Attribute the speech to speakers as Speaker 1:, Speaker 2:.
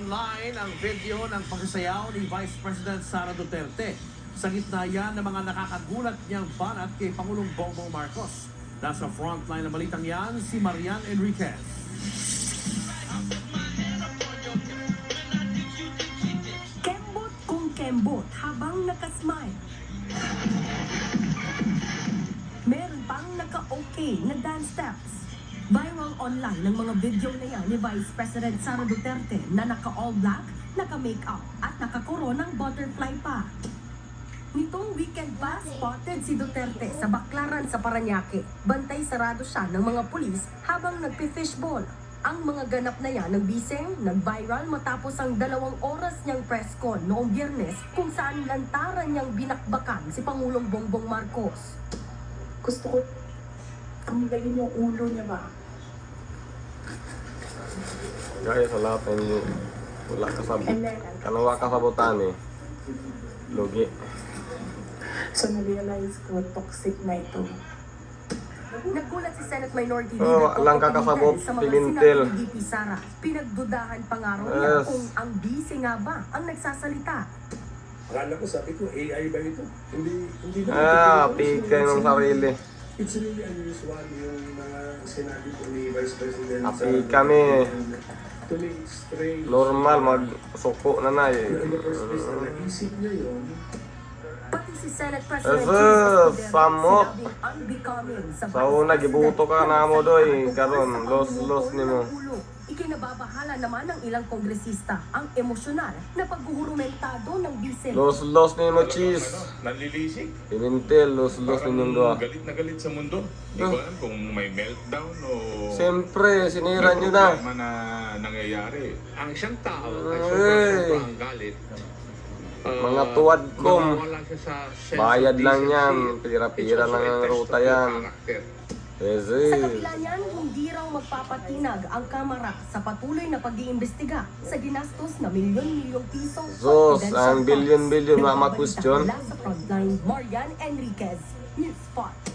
Speaker 1: online ang video ng pagsasayaw ni Vice President Sara Duterte. Sa gitna yan ng mga nakakagulat niyang banat kay Pangulong Bongbong Marcos. Nasa frontline ng balitang yan si Marian Enriquez.
Speaker 2: Kembot kung kembot habang nakasmile. Meron pang naka-okay na dance steps. Viral online ng mga video na yan ni Vice President Sara Duterte na naka-all black, naka-makeup at naka-coronang butterfly pa. Nitong weekend pa, spotted si Duterte sa Baclaran sa Parañaque. Bantay sarado siya ng mga pulis habang nagpi-fishball. Ang mga ganap na yan ng biseng nag-viral matapos ang 2 oras niyang press con noong Biyernes kung saan lantaran niyang binakbakan si Pangulong Bongbong Marcos.
Speaker 3: Gusto ko tanggalin yung ulo niya ba?
Speaker 4: Gaya sa lahat ng wala ka sa kanawa ka sa botani. Lugi.
Speaker 3: So na-realize ko toxic na ito.
Speaker 2: Naggulat si Senate Minority
Speaker 4: Oh,
Speaker 2: Leader
Speaker 4: lang kakasabot,
Speaker 2: sa mga
Speaker 4: pimintel.
Speaker 2: sinabi ni VP Sara. Pinagdudahan pa nga raw niya
Speaker 4: Yes.
Speaker 2: kung ang bise nga ba ang nagsasalita.
Speaker 5: Akala ko, sabi ko, AI ba ito? Hindi na.
Speaker 4: Pikay ng sarili.
Speaker 5: It's really unusual yung mga sinabi ko ni Vice President.
Speaker 4: Api kami.
Speaker 5: To me, it's strange.
Speaker 4: Normal, magsuko na na eh.
Speaker 5: In the first place, na naisip niya yun,
Speaker 2: Pati si Senate President
Speaker 4: Yes,
Speaker 2: Jesus Escudero
Speaker 4: samot.
Speaker 2: sinabing unbecoming sa
Speaker 4: Sa una,
Speaker 2: Vice
Speaker 4: gibuto ka
Speaker 2: President
Speaker 4: na mo, doy.
Speaker 2: tungkol sa
Speaker 4: Karon,
Speaker 2: pangungutol
Speaker 4: los ni mo.
Speaker 2: ng ulo. Ikinababahala naman ng ilang kongresista ang emosyonal na paghuhurumentado ng bise.
Speaker 4: Los ni mo cheese.
Speaker 6: Nanlilisik.
Speaker 4: Pimintel, los ninyong doa.
Speaker 6: Galit na galit sa mundo. Hindi ko alam kung may meltdown o...
Speaker 4: Siyempre, sinira nyo na.
Speaker 6: problema na nangyayari.
Speaker 7: Ang isang tao ay
Speaker 4: Ay.
Speaker 7: sobrang galit.
Speaker 4: Mga tuwad ko.
Speaker 7: Nawawala siya sa sense
Speaker 4: Bayad
Speaker 7: of
Speaker 4: lang yan.
Speaker 7: decency.
Speaker 4: Pira-pira
Speaker 7: It's also
Speaker 4: lang
Speaker 7: a
Speaker 4: ang
Speaker 7: test
Speaker 4: ruta
Speaker 7: of your
Speaker 4: yan.
Speaker 7: character.
Speaker 4: Yes,
Speaker 2: Sa kabila niyan, hindi raw magpapatinag ang Kamara sa patuloy na pag-iimbestiga sa ginastos na milyon-milyong piso.
Speaker 4: Sos,
Speaker 2: confidential
Speaker 4: ang
Speaker 2: funds.
Speaker 4: bilyon-bilyon, mga
Speaker 2: Nagbabalita
Speaker 4: question.
Speaker 2: mula sa frontline, Marian Enriquez, News Spot.